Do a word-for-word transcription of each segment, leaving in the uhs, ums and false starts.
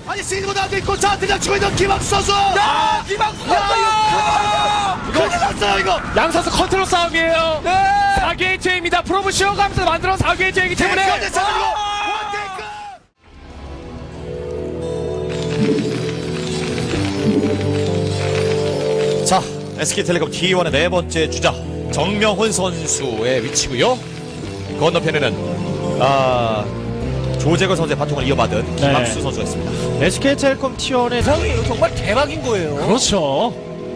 아니 시즌보다 안돼 있고 자 그냥 치고 있는 김학수 선수. 야, 김학수 선수 이거 큰일 났어요 이거. 양 선수 컨트롤 싸움이에요. 네. 사 게이트입니다. 프로브 쉬어가면서 만들어 사 게이트이기 때문에. 네, 자 그리고 원테이크. 자 에스케이텔레콤 티 원의 네 번째 주자 정명훈 선수의 위치고요. 건너편에는 아 조재걸 선수의 바통을 이어받은 네. 김학수 선수가 있습니다. 에스케이텔레콤 티 원의 상이 정말 대박인 거예요. 그렇죠.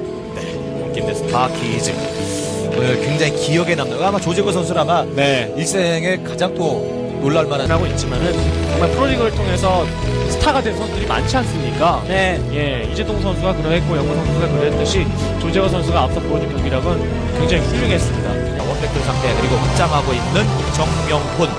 김대 스타키즈 오늘 굉장히 기억에 남는 아마 조재걸 선수는 아마 네. 일생에 가장 또 놀랄만한 하고 있지만은 정말 프로리그를 통해서 스타가 된 선수들이 많지 않습니까? 네. 예, 이재동 선수가 그러했고 영호 선수가 그랬듯이 조재호 선수가 앞서 보여준 경기력은 굉장히 훌륭했습니다. 원백들 상대 그리고 확장하고 있는 정명훈.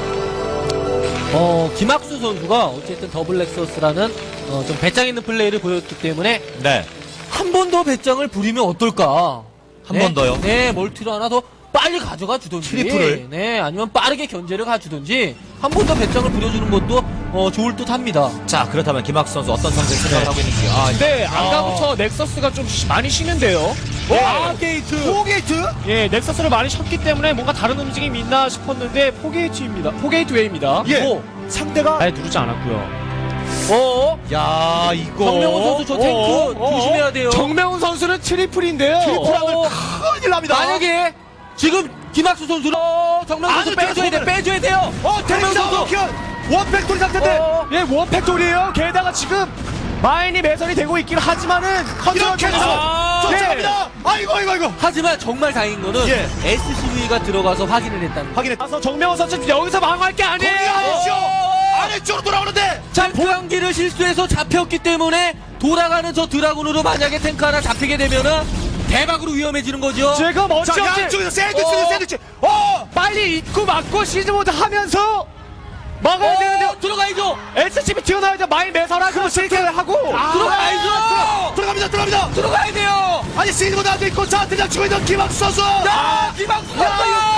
어, 김학수 선수가 어쨌든 더블 렉서스라는 어, 좀 배짱 있는 플레이를 보였기 때문에 네. 한 번 더 배짱을 부리면 어떨까? 한 번 더요? 네, 멀티를 하나 더 빨리 가져가 주든지, 트리플을? 네, 아니면 빠르게 견제를 가주든지 한 번 더 배짱을 부려주는 것도 어, 좋을 듯합니다. 자 그렇다면 김학수 선수 어떤 상대를 생각을 하고 있는지. 아, 네, 아까부터 넥서스가 좀 쉬- 많이 쉬는데요. 네. 아, 게이트. 포게이트? 예, 넥서스를 많이 쉬었기 때문에 뭔가 다른 움직임이 있나 싶었는데 포게이트입니다. 포게이트웨이입니다. 예. 오. 상대가. 아예 누르지 않았고요. 어? 야 이거. 정명훈 선수 저 탱크 어, 어, 조심해야 돼요. 정명훈 선수는 트리플인데요. 트리플하면 어. 큰일 납니다. 만약에 지금 김학수 선수는 어, 정명훈 선수 아니, 빼줘야 돼, 저거는- 빼줘야 돼요. 어 정명훈 선수. 원백돌이 상태인데. 어. 예, 원팩토리에요. 게다가 지금 마인이 매설이 되고 있긴 하지만은 컨트롤 이렇게 해서 아, 쫓아갑니다. 아이고 아이고 아이고. 하지만 정말 다행인 거는 예. 에스씨브이가 들어가서 확인을 했다는 거. 확인해. 가서 정명훈 선수 여기서 망할 게 거기 아니에요. 아니죠. 어. 아래쪽으로 돌아오는데. 자, 보양기를 실수해서 잡혔기 때문에 돌아가는 저 드라군으로 만약에 탱크 하나 잡히게 되면은 대박으로 위험해지는 거죠. 지금 자 어찌어찌 양쪽에서 샌드위치 어. 샌드위치. 어. 빨리 입고 막고 시즈모드 하면서 막아야 어, 되는데 들어가야죠. 에스씨비 튀어나와야 돼. 마인 매설하고 실패를 하고 들어가야죠. 들어갑니다 들어갑니다. 들어가야 돼요. 아니 시즌보다 안돼 있고 자 그냥 치고 있는 김학수 선수. 야, 김학수 선수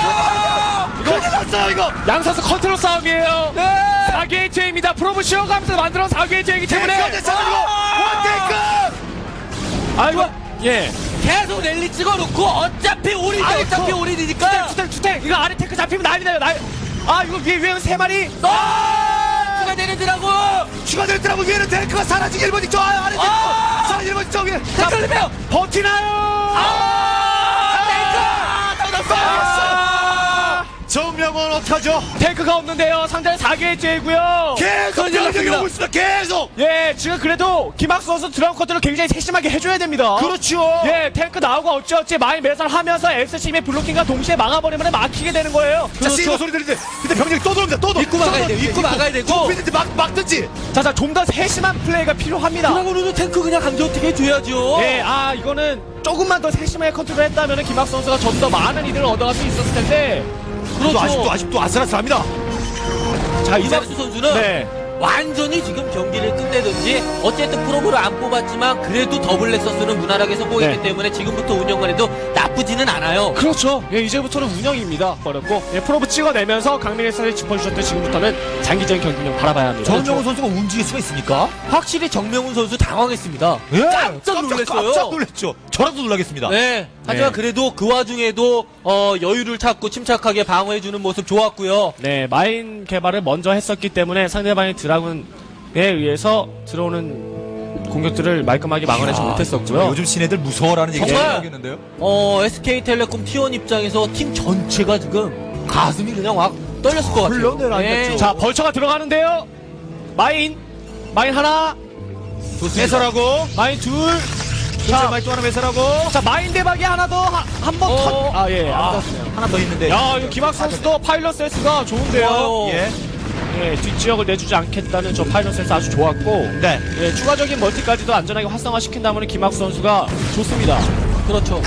이거. 큰일 났어요 이거. 양 선수 컨트롤 싸움이에요. 네. 사 게이트입니다. 프로브 쉬어가면서 만들어 사 게이트이기 때문에 때문에 자 그리고 원테이크. 아이고 예 계속 랠리 찍어놓고 어차피 우리 아이, 어차피 그- 우리니까. 투탱 투탱 이거 아래 테크 잡히면 난리 나요. 날. 아 이거 위에 위에 세 마리. 아! 추가 되는지라고. 추가될 때라고 위에는 탱크가 사라지기 일본 있죠. 아, 아래 탱크 아! 사라지기 일본 있죠. 위에. 잠깐만요. 버티나요? 아! 탱크 터졌어. 정명은 어떡하죠? 탱크가 없는데요. 상대는 사 게이트이고요. 계속 큰일 병력이 났습니다. 오고 있습니다. 계속. 예, 지금 그래도 김학수 선수 드라운 컨트롤 굉장히 세심하게 해줘야 됩니다. 그렇죠. 예, 탱크 나오고 어찌어찌 마인 매설하면서 에스씨비의 블로킹과 동시에 막아버리면 막히게 되는 거예요. 자, 그렇죠. 씨고 소리 들리는데 근데 병력이 또 들어옵니다. 또 들어. 입구 막아야 돼요. 입구 막아야 되고. 좁히든지 막 막든지. 자, 자, 좀 더 세심한 플레이가 필요합니다. 드라군으로 탱크 그냥 강제 어떻게 해줘야죠. 예, 아, 이거는 조금만 더 세심하게 컨트롤 했다면 김학수 선수가 좀 더 많은 이득을 얻어갈 수 있었을 텐데. 그렇죠. 그렇죠. 아직도 아직도 아슬아슬합니다. 자, 이제. 이박수 선수는 네. 완전히 지금 경기를 끝내든지 어쨌든 프로브를 안 뽑았지만 그래도 더블 렉서스는 무난하게 성공했기 네. 때문에 지금부터 운영만 해도 나쁘지는 않아요. 그렇죠. 예, 이제부터는 운영입니다. 어렵고, 예, 프로브 찍어내면서 강민의 선을 짚어주셨던 지금부터는 장기적인 경기력 바라봐야 합니다. 정명훈 선수가 움직일 수가 있습니까? 확실히 정명훈 선수 당황했습니다. 예. 깜짝 놀랐어요. 깜짝 놀랐죠. 저라도 놀라겠습니다. 네. 하지만 네. 그래도 그 와중에도 어, 여유를 찾고 침착하게 방어해주는 모습 좋았고요. 네, 마인 개발을 먼저 했었기 때문에 상대방의 드라군에 의해서 들어오는 공격들을 말끔하게 막아내지 이야, 못했었고요. 정말 요즘 신애들 무서워라는 얘기 정말. 하겠는데요. 어, 에스케이텔레콤 티 원 입장에서 팀 전체가 지금 가슴이 그냥 확 떨렸을 것 같아요. 흘러내려앉았죠. 자, 벌처가 들어가는데요. 마인, 마인 하나, 해설하고 마인 둘. 자, 자, 마이크 하나 해설하고 자 마인 대박이 하나 더 한 번 어. 터. 아 예, 안 아, 닿았네요. 하나 더 있는데. 야, 이거 김학수 선수도 파일럿 센스가 좋은데요. 좋아요. 예. 예, 뒷지역을 내주지 않겠다는 저 파일럿 센스 아주 좋았고. 네. 예, 추가적인 멀티까지도 안전하게 활성화시킨다면 김학수 선수가 좋습니다. 그렇죠.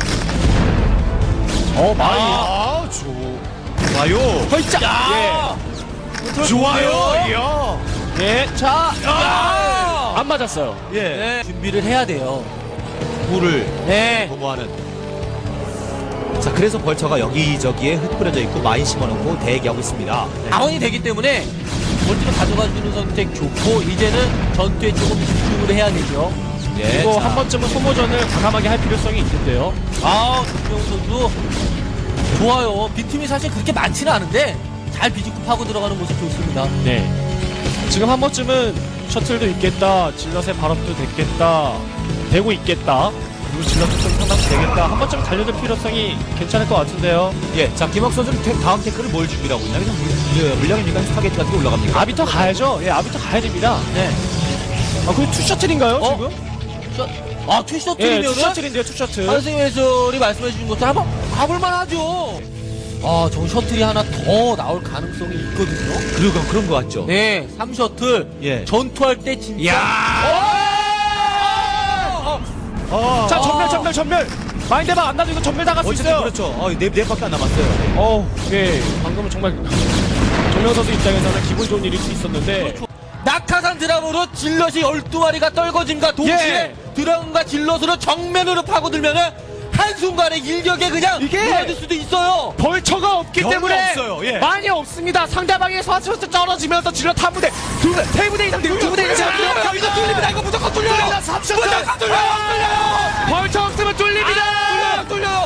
어, 마인. 아, 좋아요. 허이짜. 야! 좋아요. 이야. 예. 예, 자. 아! 안 맞았어요. 예. 네. 준비를 해야 돼요. 물을 네. 도모하는. 자, 그래서 벌처가 여기저기에 흩뿌려져 있고 마인 심어놓고 대기하고 있습니다. 자원이 되기 때문에 멀티를 가져가주는 선택 좋고 이제는 전투에 조금 집중을 해야 되죠. 예, 그리고 자, 한 번쯤은 소모전을 과감하게 할 필요성이 있는데요. 아, 김명훈 선수 좋아요. 빈틈이 사실 그렇게 많지는 않은데 잘 비집고 파고 들어가는 모습 좋습니다. 네. 지금 한 번쯤은 셔틀도 있겠다, 질럿의 발업도 됐겠다, 되고 있겠다. 그리고 질럿도 좀 상당히 되겠다. 한 번쯤 달려들 필요성이 괜찮을 것 같은데요. 예, 자 김학 선수는 태- 다음 태클을 뭘 준비하고 있나? 그냥 물- 예, 물량입니까? 스파게티 같은 게 올라갑니까? 아비터 가야죠. 예, 아비터 가야 됩니다. 네. 아, 그게 투 셔틀인가요, 어? 지금? 셔, 아, 예, 투 투셔틀이면은 셔틀인데요, 투 셔틀. 한승희 해설이 말씀해주신 것처럼 한번 가볼만 하죠. 아, 저 셔틀이 하나 더 나올 가능성이 있거든요. 그런 그런 거 같죠? 네, 삼 셔틀. 예. 전투할 때 진짜. 야! 어! 어, 자, 어. 전멸, 전멸, 전멸. 마인드방 안 나도 이거 전멸 당할 수 어쨌든 있어요. 그렇죠. 어, 네, 네 밖에 안 남았어요. 어우, 예, 방금은 정말 정명 선수 입장에서는 기분 좋은 일일 수 있었는데. 낙하산 드라마로 질럿이 열두 마리가 떨궈짐과 동시에 예. 드라군과 질럿으로 정면으로 파고들면은 한순간에 일격에 그냥 이게 무너질 수도 있어요. 벌처가 없기 별로 때문에 없어요, 예. 많이 없습니다. 상대방의 서스부터 떨어지면서 질럿 한 부대, 두 부대, 세 부대 이상 되고 두 부대 이상 뚫려요. 이거 뚫립니다. 이거 무조건 뚫려요. 삼 점 무조건 뚫려요. 뚫려요. 벌처 없으면 뚫립니다. 뚫려요. 뚫려요.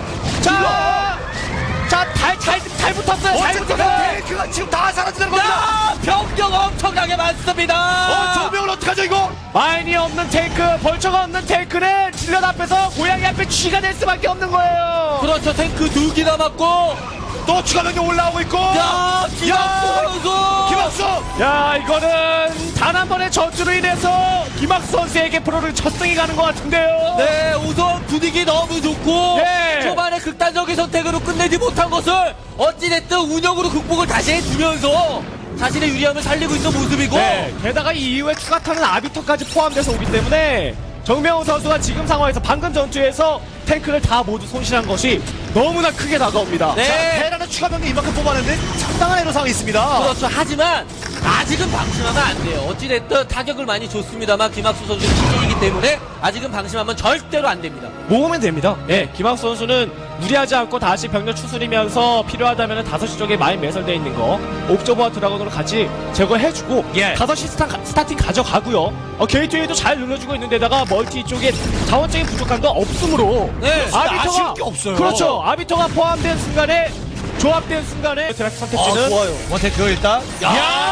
자, 자, 잘, 잘, 잘 붙었어요. 잘 붙었어요. 그가 지금 다 사라지는 야, 병력 엄청나게 많습니다. 어, 정명을 어떡하죠 이거? 마인이 없는 탱크, 벌처가 없는 탱크는 질럿 앞에서 고양이 앞에 쥐가 될 수밖에 없는 거예요. 그렇죠. 탱크 두 개 남았고. 또 추가 병력 올라오고 있고. 야, 김학수 선수. 김학수. 야, 이거는 단 한 번의 전투로 인해서 김학수 선수에게 프로를 첫 승이 가는 것 같은데요. 네, 우선 분위기 너무 좋고 네. 초반에 극단적인 선택으로 끝내지 못한 것을 어찌됐든 운영으로 극복을 다시 해주면서 자신의 유리함을 살리고 있는 모습이고 네, 게다가 이 이후에 추가 타는 아비터까지 포함돼서 오기 때문에 정명훈 선수가 지금 상황에서 방금 전투에서 탱크를 다 모두 손실한 것이 너무나 크게 다가옵니다. 네. 자, 테라는 추가 병력 이만큼 뽑아냈는데 상당한 애로사항이 있습니다. 그렇죠. 하지만 아직은 방심하면 안 돼요. 어찌됐든 타격을 많이 줬습니다만 김학수 선수의 기질이기 때문에 아직은 방심하면 절대로 안 됩니다. 모으면 됩니다. 네, 김학수 선수는 무리하지 않고 다시 병력 추스리면서 필요하다면 다섯 시 쪽에 많이 매설되어 있는 거 옵저버와 드라곤으로 같이 제거해주고 예. 다섯 시 스타, 스타팅 가져가고요. 어, 게이트웨이도 잘 눌러주고 있는데다가 멀티 쪽에 자원적인 부족함도 없으므로 네, 아비터가 아쉬울 게 없어요. 그렇죠. 아비터가 포함된 순간에 조합된 순간에 드라ft 선택지는 아, 좋아요. 원테크 일단. 야!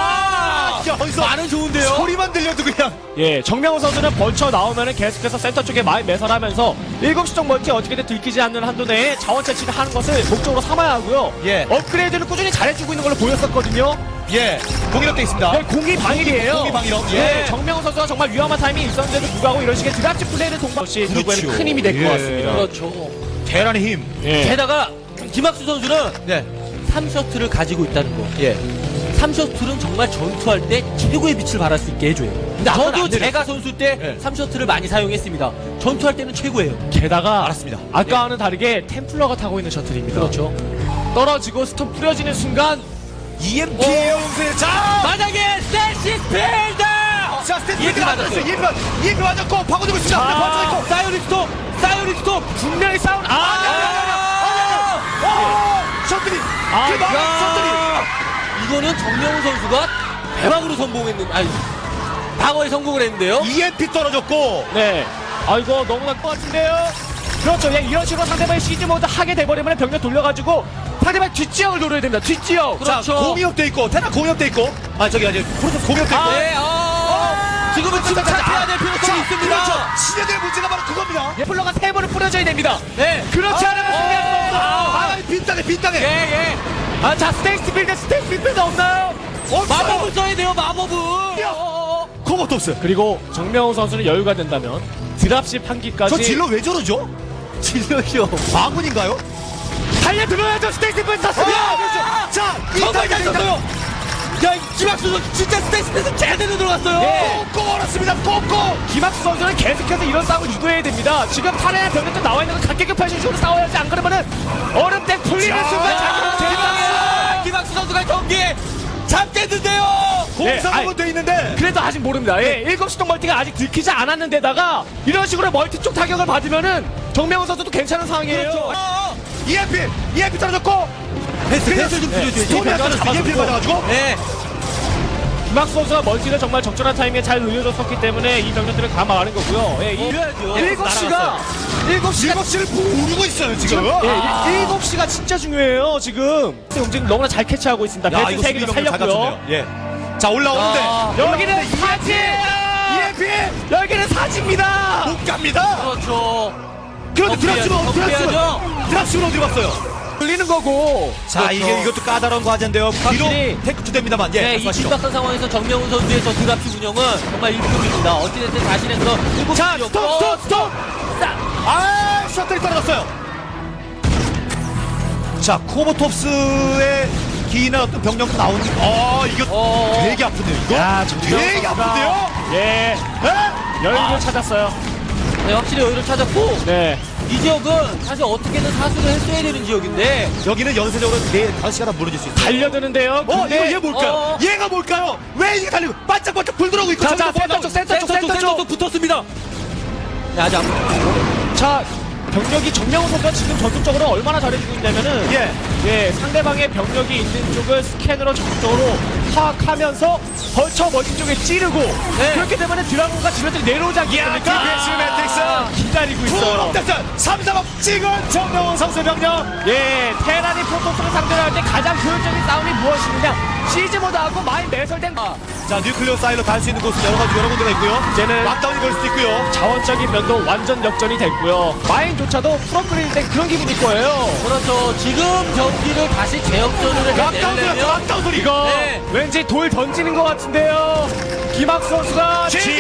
야, 어디서 말은 좋은데요. 소리만 들려도 그냥. 예, 정명훈 선수는 벌쳐 나오면은 계속해서 센터 쪽에 많이 매설하면서 일곱 시 쪽 멀티 어떻게든 들키지 않는 한도 내에 자원 채취를 하는 것을 목적으로 삼아야 하고요. 예. 업그레이드를 꾸준히 잘해주고 있는 걸로 보였었거든요. 예, 공이력돼 있습니다. 네, 공이 방일이에요. 공이 방일업, 예. 네, 정명훈 선수가 정말 위험한 타이밍이 있었는데도 불구하고 이런 식의 드랍지 플레이를 동반 것이 결국에는 그렇죠. 큰 힘이 될 것 예. 같습니다. 그렇죠. 대란의 힘. 예. 게다가 김학수 선수는 네, 삼 셔틀을 가지고 있다는 거. 예. 삼 셔틀은 정말 전투할 때 최고의 빛을 발할 수 있게 해줘요. 아무나 저도 안 되네. 제가 선수 때 네. 삼 셔틀을 많이 사용했습니다. 전투할 때는 최고예요. 게다가 알았습니다. 아까와는 다르게 템플러가 타고 있는 셔틀입니다. 그렇죠. 떨어지고 스톰 뿌려지는 순간 이엠피 어. 용세. 자, 만약에 스테시 필드! 자, 스탠드 이엠피 맞았어요. 맞았어요. 이엠피 맞, 이엠피 맞았고 파고들고 있습니다. 자, 벌써 있고. 사이오닉 스톱! 사이오닉 스톱! 분명히 싸운 아! 아! 셔틀이. 아, 그 막은 셔틀이. 이거는 정명훈 선수가 대박으로 성공했는, 아니, 방어에 성공을 했는데요. 이엠피 떨어졌고. 네. 아, 이거 너무 날 것 같은데요? 그렇죠. 그냥 이런 식으로 상대방이 시즈 모드 하게 돼버리면 병력 돌려가지고 상대방 뒷지역을 노려야 됩니다. 뒷지역. 그렇죠. 자, 공이업돼 있고, 테라 공이업돼 있고. 아, 저기 아직 프로토스 공이업돼 있고. 네, 어, 지금은 침착해야 될 필요성이 있습니다. 그렇죠. 시대들의 문제가 바로 그겁니다. 플러가 세 번을 뿌려줘야 됩니다. 네. 그렇지 아, 않으면 승리할 수 없어. 아, 빈땅에 빈땅에. 예, 예. 아, 자, 스테이스 빌드, 스테이스 빌드 없나요? 마법을 써야 돼요, 마법을. 어, 그것도 없어요. 그리고 정명훈 선수는 여유가 된다면 드랍십 한 기까지 저 질러 왜 저러죠? 질러요. 바군인가요? 달려들어야죠. 스테이스 빌드 탔습니다. 아, 그렇죠. 자, 정말 잘 빈땅에 썼어요. 야, 김학수 선수 진짜 스테이스에서 제대로 들어갔어요. 네. 꽁꽁 얼었습니다. 꽁꽁. 김학수 선수는 계속해서 이런 싸움을 유도해야 됩니다. 지금 팔에 병력도 나와 있는 건 각계급하신 식으로 싸워야지. 안 그러면은 얼음땡 풀리는 자, 순간 자기는 대박이야. 김학수 선수가 경기 잡겠는데요. 공사복은 아이, 돼 있는데. 그래도 아직 모릅니다. 예, 일곱 시 쪽 멀티가 아직 들키지 않았는데다가 이런 식으로 멀티 쪽 타격을 받으면은 정명훈 선수도 괜찮은 상황이에요. 그렇죠. 어, 이엠피, 이엠피 떨어졌고. 패스, 패스 좀 네. 줄여줘야지. 스톰이 안 떨어졌어. 이엠피 맞아가지고. 네. 김학수 선수가 멀티를 정말 적절한 타이밍에 잘 늘려줬었기 때문에 이 병력들을 다 막는 거고요. 예, 이 이래야죠. 일곱 시가 일곱 시가 일곱 시를 모르고 있어요 지금. 예, 아. 일곱 시가 진짜 중요해요 지금. 움직임 너무나 잘 캐치하고 있습니다. 야, 배트 이거 세 개를 수비병력 잘 살렸고요. 갖췄네요. 예. 자 올라오는데 아, 여기는 사지. 이엠피 여기는 사지입니다. 못 갑니다. 그렇죠. 그런데 드랍십은 드랍십은 덤벼야죠. 드랍십은 어디 갔어요? 돌리는 거고. 자 그렇죠. 이게 이것도 까다로운 과제인데요. 비록 확실히 테크 투 됩니다만 예. 네, 이 말씀하시죠. 긴박한 상황에서 정명훈 선수의 저 드랍십 운영은 정말 일품입니다. 어찌됐든 자신의 그런 일곱 자 시였고 스톱 스톱 스톱. 아 셔틀이 떨어졌어요. 자 코보톱스의 기나 어떤 병력도 나오는. 어 이거 어. 되게 아픈데요 이거. 야, 정명훈 되게 선수가 아픈데요. 예, 예? 여유를 찾았어요. 네, 확실히 여유를 찾았고 네. 이 지역은 사실 어떻게든 사수를 했어야 되는 지역인데 여기는 연쇄적으로 네 다섯 시간 무너질 수 있어요. 달려드는데요. 어, 이거 근데 얘 뭘까요? 어. 얘가 뭘까요? 왜 이게 달리고 반짝반짝 불 들어오고 있고 자, 저기서 자, 뭐 센터 쪽, 센터 쪽, 센터 쪽. 센터도 붙었습니다. 네, 아직 안 자, 병력이 정명훈 선수가 지금 전투적으로 얼마나 잘해주고 있냐면은 예. 예, 상대방의 병력이 있는 쪽을 스캔으로 적극적으로 파악하면서 벌쳐 멀리 쪽에 찌르고 그렇기 때문에 드라곤과 질럿들이 내려오지 않겠습니까? 디펜스 매트릭스 기다리고 있어요. 풀업됐어 삼, 사업 찍은 정명훈 선수 병력. 예, 테란이 프로토스를 상대로 할 때 가장 효율적인 싸움이 무엇이느냐? 시즈 모드하고 마인 매설된 자 뉴클리오 사이로 달 수 있는 곳은 여러 가지 여러 군데가 있고요. 이제는 락다운이 걸 수도 있고요. 자원적인 면도 완전 역전이 됐고요. 마인조차도 풀업그레이드 된 그런 기분일 거예요. 그렇죠. 지금 경기를 다시 재역전을 락다운 소리 해내려면 락다운 소리. 이거 네. 왠지 돌 던지는 것 같은데요. 김학수 선수가 지-